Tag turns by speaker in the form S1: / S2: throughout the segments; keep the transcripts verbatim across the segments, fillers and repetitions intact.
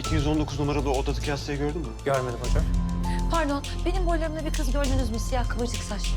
S1: iki yüz on dokuz numaralı odadaki hastayı gördün mü?
S2: Görmedim hocam.
S3: Pardon, benim boylarımda bir kız gördünüz mü? Siyah kıvırcık saçlı.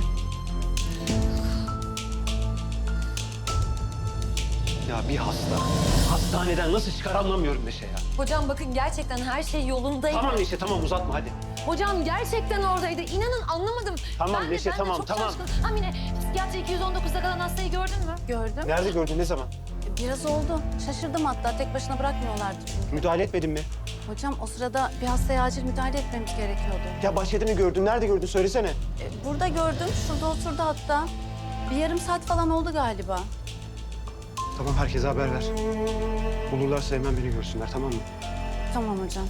S1: Ya bir hasta hastaneden nasıl çıkar anlamıyorum Neşe ya.
S3: Hocam bakın gerçekten her şey yolundaydı.
S1: Tamam Neşe tamam uzatma hadi.
S3: Hocam gerçekten oradaydı. İnanın anlamadım.
S1: Tamam,
S3: Ben de-
S1: Neşe,
S3: ben de
S1: tamam,
S3: çok
S1: tamam.
S3: şaşkınım. Hamine, psikiyatri iki yüz on dokuzda kalan hastayı gördün mü?
S4: Gördüm.
S1: Nerede gördün ne zaman?
S4: Biraz oldu. Şaşırdım hatta. Tek başına bırakmıyorlardı çünkü.
S1: Müdahale etmedin mi?
S4: Hocam o sırada bir hastaya acil müdahale etmemiz gerekiyordu.
S1: Ya Bahçe'de mi gördün? Nerede gördün? Söylesene.
S4: E, burada gördüm. Şurada oturdu hatta. Bir yarım saat falan oldu galiba.
S1: Tamam herkese haber ver. Bulurlarsa hemen beni görsünler tamam mı?
S4: Tamam hocam.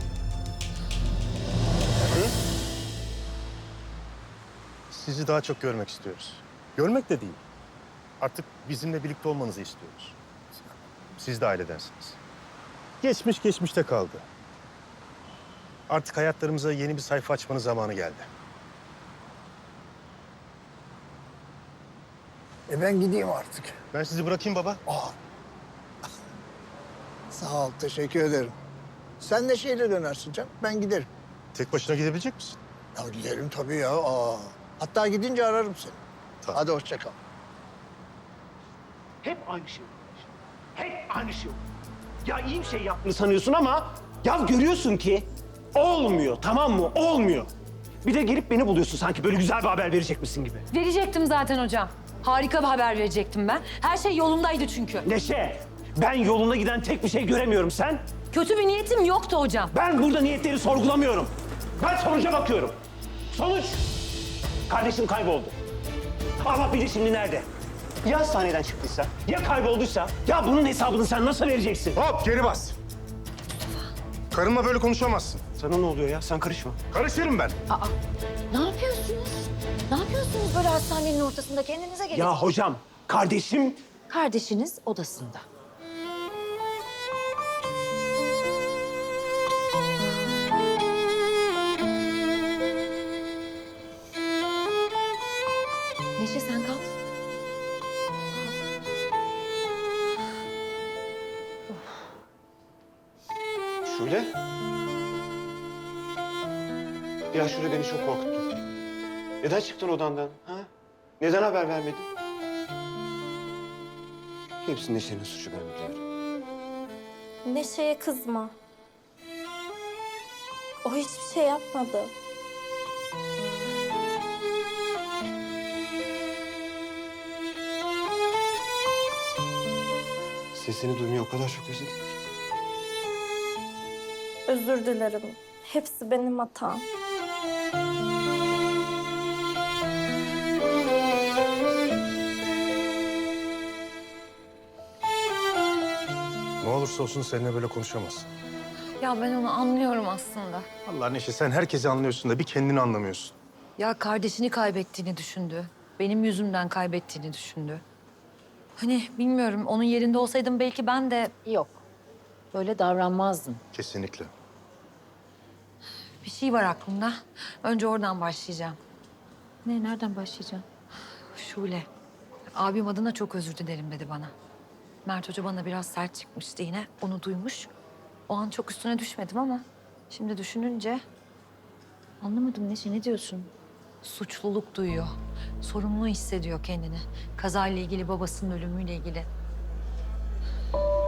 S5: Sizi daha çok görmek istiyoruz. Görmek de değil. Artık bizimle birlikte olmanızı istiyoruz. Siz de ailedensiniz. Geçmiş geçmişte kaldı. Artık hayatlarımıza yeni bir sayfa açmanın zamanı geldi.
S6: E ben gideyim artık.
S5: Ben sizi bırakayım baba.
S6: Sağ ol, teşekkür ederim. Sen neşeyle dönersin canım, ben giderim.
S5: Tek başına gidebilecek misin?
S6: Ya giderim tabii ya. Aa. Hatta gidince ararım seni.
S5: Tamam.
S6: Hadi hoşça kal.
S1: Hep aynı şey. Hep aynı şey. Ya iyi bir şey yaptığını sanıyorsun ama ya görüyorsun ki olmuyor tamam mı? Olmuyor. Bir de gelip beni buluyorsun sanki böyle güzel bir haber verecek misin gibi.
S3: Verecektim zaten hocam. Harika bir haber verecektim ben. Her şey yolundaydı çünkü.
S1: Neşe, ben yolunda giden tek bir şey göremiyorum sen.
S3: Kötü bir niyetim yoktu hocam.
S1: Ben burada niyetleri sorgulamıyorum. Ben sonuca bakıyorum. Sonuç, kardeşim kayboldu. Allah bilir şimdi nerede? Ya hastaneden çıktıysa, ya kaybolduysa, ya bunun hesabını sen nasıl vereceksin?
S5: Hop geri bas. Karımla böyle konuşamazsın.
S1: Sana ne oluyor ya? Sen karışma.
S5: Karışırım ben.
S3: Ne yapıyorsunuz? Ne yapıyorsunuz böyle hastanenin ortasında? Kendinize gelin.
S1: Ya hocam, kardeşim...
S3: Kardeşiniz odasında. Neşe sen kal.
S1: Şule. Ya Şule beni çok korkuttun. Neden çıktın odandan? Ha? Neden haber vermedin? Hepsinin Neşe'nin suçu ben biliyorum.
S7: Neşe'ye kızma. O hiçbir şey yapmadı.
S1: Sesini duymayı o kadar çok özledim ki.
S7: Özür dilerim. Hepsi benim hatam.
S5: Ne olursa olsun seninle böyle konuşamaz.
S3: Ya ben onu anlıyorum aslında.
S5: Allah Neşe sen herkesi anlıyorsun da bir kendini anlamıyorsun.
S3: Ya kardeşini kaybettiğini düşündü. Benim yüzümden kaybettiğini düşündü. Hani bilmiyorum onun yerinde olsaydım belki ben de...
S8: Yok. Böyle davranmazdın.
S5: Kesinlikle.
S3: Bir şey var aklımda. Önce oradan başlayacağım.
S8: Ne, nereden başlayacağım?
S3: Şule. Abim adına çok özür dilerim dedi bana. Mert Hoca bana biraz sert çıkmıştı yine. Onu duymuş. O an çok üstüne düşmedim ama... Şimdi düşününce
S8: Anlamadım Neşe, ne diyorsun?
S3: suçluluk duyuyor. Sorumlu hissediyor kendini. Kazayla ilgili, babasının ölümüyle ilgili.